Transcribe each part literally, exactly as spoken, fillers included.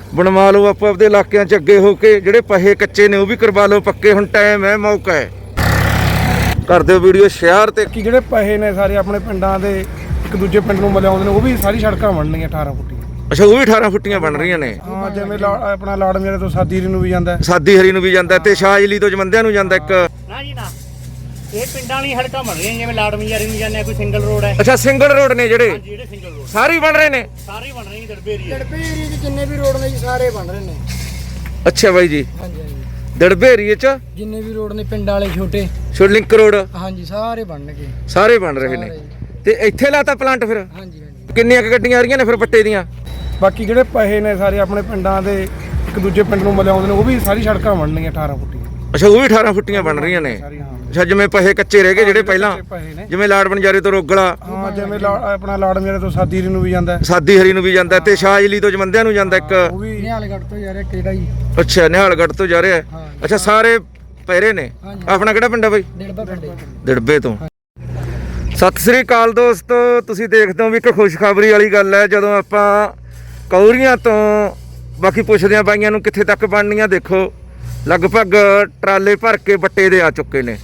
बनवा लो आप आपदे इलाकों च अगे हो के, जिहड़े पहे कच्चे ने वो भी करवा लो पक्के। हुण टाइम है, मौका है, कर दिओ वीडियो शेयर। ते कि जिहड़े पहे ने सारे अपने पिंडां दे एक दूजे पिंड नूं मिलाउंदे ने, वो भी सारी सड़कां बनणगीਆਂ अठारह फुੱਟੀ। अच्छा, वो भी अठारह फुੱਟੀਆਂ बन रही ने। हाँ, जिवें अपना लाड़मेरे तो सादी हरी नूं भी जांदा, सादी हरी नूं भी जांदा ते शाहजली तो जमंदिਆਂ ਨੂੰ ਜਾਂਦਾ ਇੱਕ। ਨਾ ਜੀ ਨਾ, ਇਹ ਪਿੰਡਾਂ ਵਾਲੀ ਸੜਕਾਂ ਬਣ ਰਹੀਆਂ ਜਿਵੇਂ ਲਾੜਮੀਆਰੀ ਨੂੰ ਜਾਂਦੇ ਆ, ਕੋਈ ਸਿੰਗਲ ਰੋਡ ਹੈ। ਅੱਛਾ, ਸਿੰਗਲ ਰੋਡ ਨੇ ਜਿਹੜੇ ਹਾਂਜੀ, ਜਿਹੜੇ ਸਿੰਗਲ ਰੋਡ ਸਾਰੇ ਬਣ ਰਹੇ ਨੇ, ਸਾਰੇ ਬਣ ਰਹੇ ਨੇ। ਦੜਬੇ ਏਰੀਆ ਦੜਬੇ ਏਰੀਏ 'ਚ ਜਿੰਨੇ ਵੀ ਰੋਡ ਨੇ ਜੀ ਸਾਰੇ ਬਣ ਰਹੇ ਨੇ। ਅੱਛਾ ਬਾਈ ਜੀ, ਹਾਂਜੀ ਹਾਂਜੀ, ਦੜਬੇ ਏਰੀਏ ਚ ਜਿੰਨੇ ਵੀ ਰੋਡ ਨੇ ਪਿੰਡਾਂ ਵਾਲੇ ਛੋਟੇ ਛੋਟੇ ਲਿੰਕ ਰੋਡ ਹਾਂਜੀ ਸਾਰੇ ਬਣਨਗੇ, ਸਾਰੇ ਬਣ ਰਹੇ ਨੇ। ਤੇ ਇੱਥੇ ਲਾਤਾ ਪਲਾਂਟ ਫਿਰ? ਹਾਂਜੀ ਹਾਂਜੀ। ਕਿੰਨੀਆਂ ਕੁ ਗੱਡੀਆਂ ਆ ਰਹੀਆਂ ਨੇ ਫਿਰ ਪੱਟੇ ਦੀਆਂ? ਬਾਕੀ ਜਿਹੜੇ ਪਹੇ ਨੇ ਸਾਰੇ ਆਪਣੇ ਪਿੰਡਾਂ ਦੇ ਇੱਕ ਦੂਜੇ ਪਿੰਡ ਨੂੰ ਮਿਲਾਉਂਦੇ ਨੇ, ਉਹ ਵੀ ਸਾਰੀ ਸੜਕਾਂ ਬਣਨਗੀਆਂ ਅਠਾਰਾਂ ਫੁੱਟੀ। ਅੱਛਾ, ਉਹ ਵੀ ਅਠਾਰਾਂ ਫੁੱਟੀਆਂ ਬਣ ਰਹੀਆਂ ਨੇ। ਅੱਛਾ, ਜਿਵੇਂ ਪਹੇ ਕੱਚੇ ਰਹਿ ਗਏ ਜਿਹੜੇ ਪਹਿਲਾਂ, ਜਿਵੇਂ ਲਾੜ ਬਣਜਾਰੇ ਤੋਂ ਰੋਗਲਾ, ਹਾਂ, ਜਿਵੇਂ ਆਪਣਾ ਲਾੜਮੇਰੇ ਤੋਂ ਸਾਦੀ ਹਰੀ ਨੂੰ ਵੀ ਜਾਂਦਾ, ਸਾਦੀ ਹਰੀ ਨੂੰ ਵੀ ਜਾਂਦਾ ਤੇ ਸ਼ਾਹਜਲੀ ਤੋਂ ਜਮੰਦਿਆਂ ਨੂੰ ਜਾਂਦਾ ਇੱਕ। ਉਹ ਵੀ ਨਿਹਾਲਗੜ੍ਹ ਤੋਂ ਜਾ ਰਿਹਾ ਕਿਹੜਾ ਜੀ? ਅੱਛਾ, ਨਿਹਾਲਗੜ੍ਹ ਤੋਂ ਜਾ ਰਿਹਾ। ਅੱਛਾ, ਸਾਰੇ ਪਹਿਰੇ ਨੇ। ਆਪਣਾ ਕਿਹੜਾ ਪਿੰਡ ਆ ਬਾਈ? ਡੇੜਬਾ ਪਿੰਡ। ਦਿੜਬੇ ਤੋਂ। ਸਤਿ ਸ੍ਰੀ ਅਕਾਲ ਦੋਸਤੋ, ਤੁਸੀਂ ਦੇਖਦੇ ਹੋ ਵੀ ਇੱਕ ਖੁਸ਼ਖਬਰੀ ਵਾਲੀ ਗੱਲ ਹੈ। ਜਦੋਂ ਆਪਾਂ ਕੌਰੀਆਂ ਤੋਂ ਬਾਕੀ ਪੁੱਛਦੇ ਆ ਬਾਈਆਂ ਨੂੰ ਕਿੱਥੇ ਤੱਕ ਬਣਨੀਆਂ, ਦੇਖੋ ਲਗਭਗ ਟਰਾਲੇ ਭਰ ਕੇ ਬੱਟੇ ਦੇ ਆ ਚੁੱਕੇ ਨੇ।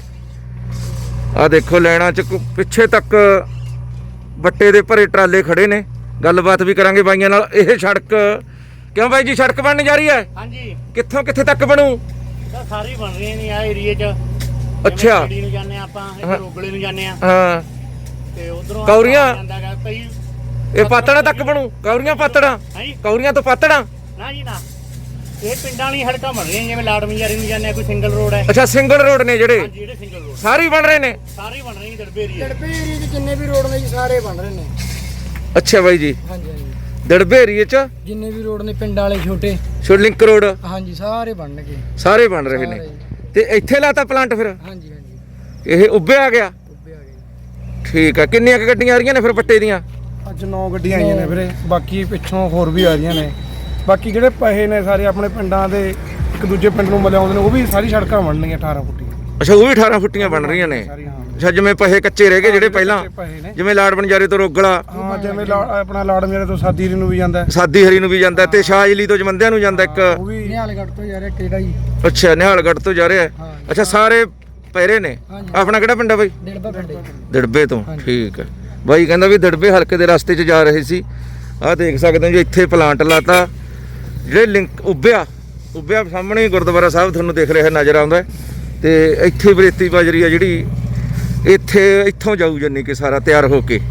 ਆ ਦੇਖੋ ਲੈਣਾ ਚ ਪਿੱਛੇ ਤੱਕ ਬੱਟੇ ਦੇ ਭਰੇ ਟਰਾਲੇ ਖੜੇ ਨੇ। ਗੱਲਬਾਤ ਵੀ ਕਰਾਂਗੇ ਬਾਈਆਂ ਨਾਲ। ਇਹ ਸੜਕ ਕਿਉਂ ਬਾਈ ਜੀ, ਸੜਕ ਬਣਨ ਜਾ ਰਹੀ ਹੈ? ਹਾਂਜੀ, ਕਿੱਥੋਂ ਕਿੱਥੇ ਤੱਕ ਬਣੂ? ਤਾਂ ਸਾਰੇ ਬਣ ਰਹੇ ਨੇ ਆ ਏਰੀਏ 'ਚ। ਅੱਛਾ, ਗੱਡੀ ਨੂੰ ਜਾਂਦੇ ਆ ਆਪਾਂ, ਇੱਧਰ ਰੋਗਲੇ ਨੂੰ ਜਾਂਦੇ ਆ ਹਾਂ, ਤੇ ਉਧਰੋਂ ਕੌਰੀਆਂ ਜਾਂਦਾਗਾ ਕਈ। ਇਹ ਪਾਤੜਾ ਤੱਕ ਬਣੂ? ਕੌਰੀਆਂ ਪਾਤੜਾ? ਹਾਂਜੀ, ਕੌਰੀਆਂ ਤੋਂ ਪਾਤੜਾ? ਨਾ ਜੀ ਨਾ, ਇਹ ਪਿੰਡਾਂ ਵਾਲੀ ਸੜਕਾਂ ਬਣ ਰਹੀਆਂ ਜਿਵੇਂ ਲਾੜਮੀਆਰੀ ਨੂੰ ਜਾਂਦੇ ਆ, ਕੋਈ ਸਿੰਗਲ ਰੋਡ ਹੈ। ਅੱਛਾ, ਸਿੰਗਲ ਰੋਡ ਨੇ ਜਿਹੜੇ ਹਾਂਜੀ, ਜਿਹੜੇ ਸਿੰਗਲ ਰੋਡ ਸਾਰੇ ਬਣ ਰਹੇ ਨੇ, ਸਾਰੇ ਬਣ ਰਹੇ ਨੇ। ਦੜਬੇ ਏਰੀਆ ਦੜਬੇ ਏਰੀਏ 'ਚ ਜਿੰਨੇ ਵੀ ਰੋਡ ਨੇ ਜੀ ਸਾਰੇ ਬਣ ਰਹੇ ਨੇ। ਅੱਛਾ ਬਾਈ ਜੀ, ਹਾਂਜੀ ਹਾਂਜੀ, ਦਿੜਬੇ ਏਰੀਏ ਚ ਜਿੰਨੇ ਵੀ ਰੋਡ ਨੇ ਪਿੰਡਾਂ ਵਾਲੇ ਛੋਟੇ ਛੋਟੇ ਲਿੰਕ ਰੋਡ ਹਾਂਜੀ ਸਾਰੇ ਬਣਨਗੇ, ਸਾਰੇ ਬਣ ਰਹੇ ਨੇ। ਤੇ ਇੱਥੇ ਲਾਤਾ ਪਲਾਂਟ ਫਿਰ? ਹਾਂਜੀ ਹਾਂਜੀ। ਇਹ ਉੱਭੇ ਆ ਗਿਆ? ਉੱਭੇ ਆ ਗਏ। ਠੀਕ ਆ। ਕਿੰਨੀਆਂ ਕੁ ਗੱਡੀਆਂ ਆ ਰਹੀਆਂ ਨੇ ਫਿਰ ਪੱਟੇ ਦੀਆਂ? ਅੱਜ ਨੌ ਗੱਡੀਆਂ ਆਈਆਂ ਨੇ ਵੀਰੇ, ਬਾਕੀ ਪਿੱਛੋਂ ਹੋਰ ਵੀ ਆ ਰਹੀਆਂ ਨੇ। ਬਾਕੀ ਜਿਹੜੇ ਪਹੇ ਨੇ ਸਾਰੇ ਆਪਣੇ ਪਿੰਡਾਂ ਦੇ ਇੱਕ ਦੂਜੇ ਪਿੰਡ ਨੂੰ ਮਿਲਾਉਂਦੇ ਨੇ, ਉਹ ਵੀ ਸਾਰੀ ਸੜਕਾਂ ਬਣਨਗੀਆਂ ਅਠਾਰਾਂ ਫੁੱਟੀ। ਅੱਛਾ, ਉਹ ਵੀ ਅਠਾਰਾਂ ਫੁੱਟੀਆਂ ਬਣ ਰਹੀਆਂ ਨੇ। ਅੱਛਾ, ਜਿਵੇਂ ਪਹੇ ਕੱਚੇ ਰਹਿ ਗਏ ਜਿਹੜੇ ਪਹਿਲਾਂ, ਜਿਵੇਂ ਲਾੜ ਬਣਜਾਰੇ ਤੋਂ ਰੋਗਲਾ, ਹਾਂ, ਜਿਵੇਂ ਆਪਣਾ ਲਾੜਮੇਰੇ ਤੋਂ ਸਾਦੀ ਹਰੀ ਨੂੰ ਵੀ ਜਾਂਦਾ, ਸਾਦੀ ਹਰੀ ਨੂੰ ਵੀ ਜਾਂਦਾ ਤੇ ਸ਼ਾਹਜਲੀ ਤੋਂ ਜਮੰਦਿਆਂ ਨੂੰ ਜਾਂਦਾ ਇੱਕ। ਉਹ ਵੀ ਨਿਹਾਲਗੜ੍ਹ ਤੋਂ ਜਾ ਰਿਹਾ ਕਿਹੜਾ ਜੀ? ਅੱਛਾ, ਨਿਹਾਲਗੜ੍ਹ ਤੋਂ ਜਾ ਰਿਹਾ। ਅੱਛਾ, ਸਾਰੇ ਪਹਿਰੇ ਨੇ। ਆਪਣਾ ਕਿਹੜਾ ਪਿੰਡ ਆ ਬਾਈ? ਡੇੜਬਾ ਪਿੰਡ। ਦਿੜਬੇ ਤੋਂ। ਠੀਕ ਹੈ ਬਾਈ, ਕਹਿੰਦਾ ਵੀ ਦਿੜਬੇ ਹਲਕੇ ਦੇ ਰਸਤੇ 'ਚ ਜਾ ਰਹੇ ਸੀ। ਆਹ ਦੇਖ ਸਕਦੇ ਹੋ ਜੀ, ਇੱਥੇ ਪਲਾਂਟ ਲਾਤਾ। ਜਿਹੜੇ ਲਿੰਕ ਉੱਭਿਆ ਉੱਭਿਆ ਸਾਹਮਣੇ ਗੁਰਦੁਆਰਾ ਸਾਹਿਬ ਤੁਹਾਨੂੰ ਦਿਖ ਰਿਹਾ ਨਜ਼ਰ ਆਉਂਦਾ। ਤੇ ਇੱਥੇ ਬਰੇਤੀ ਬਾਜਰੀ ਆ ਜਿਹੜੀ, ਇੱਥੇ ਇੱਥੋਂ ਜਾਊ ਜਾਨੀ ਕਿ ਸਾਰਾ ਤਿਆਰ ਹੋ ਕੇ,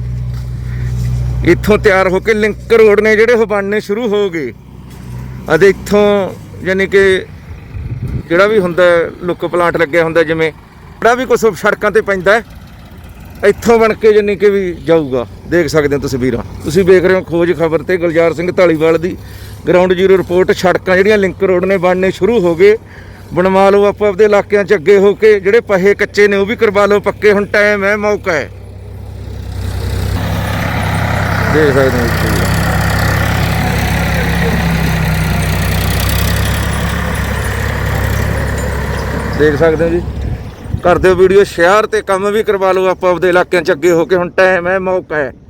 ਇੱਥੋਂ ਤਿਆਰ ਹੋ ਕੇ ਲਿੰਕ ਰੋਡ ਨੇ ਜਿਹੜੇ ਉਹ ਬਣਨੇ ਸ਼ੁਰੂ ਹੋ ਗਏ। ਅਤੇ ਇੱਥੋਂ ਜਾਨੀ ਕਿ ਜਿਹੜਾ ਵੀ ਹੁੰਦਾ ਲੁੱਕ ਪਲਾਂਟ ਲੱਗਿਆ ਹੁੰਦਾ, ਜਿਵੇਂ ਜਿਹੜਾ ਵੀ ਕੁਛ ਸੜਕਾਂ ਤੇ ਪੈਂਦਾ ਇੱਥੋਂ ਬਣ ਕੇ ਜਾਨੀ ਕਿ ਵੀ ਜਾਊਗਾ। ਦੇਖ ਸਕਦੇ ਹੋ ਤਸਵੀਰਾਂ, ਤੁਸੀਂ ਵੇਖ ਰਹੇ ਹੋ ਖੋਜ ਖਬਰ ਤੇ ਗੁਲਜ਼ਾਰ ਸਿੰਘ ਢਾਲੀਵਾਲ ਦੀ ਗਰਾਊਂਡ ਜ਼ੀਰੋ ਰਿਪੋਰਟ। ਸੜਕਾਂ ਜਿਹੜੀਆਂ ਲਿੰਕ ਰੋਡ ਨੇ ਬਣਨੇ ਸ਼ੁਰੂ ਹੋ ਗਏ। ਬਣਵਾ ਲਓ ਆਪੋ ਆਪਦੇ ਇਲਾਕਿਆਂ 'ਚ ਅੱਗੇ ਹੋ ਕੇ, ਜਿਹੜੇ ਪਹੇ ਕੱਚੇ ਨੇ ਉਹ ਵੀ ਕਰਵਾ ਲਓ ਪੱਕੇ। ਹੁਣ ਟਾਈਮ ਹੈ, ਮੌਕਾ ਹੈ, ਦੇਖ ਸਕਦੇ ਹੋ। ਦੇਖ ਸਕਦੇ ਹੋ ਜੀ, ਕਰ ਦਿਓ ਵੀਡੀਓ ਸ਼ੇਅਰ ਤੇ ਕੰਮ ਵੀ ਕਰਵਾ ਲਓ ਆਪੋ ਆਪਦੇ ਇਲਾਕਿਆਂ 'ਚ ਅੱਗੇ ਹੋ ਕੇ। ਹੁਣ ਟਾਈਮ ਹੈ, ਮੌਕਾ ਹੈ।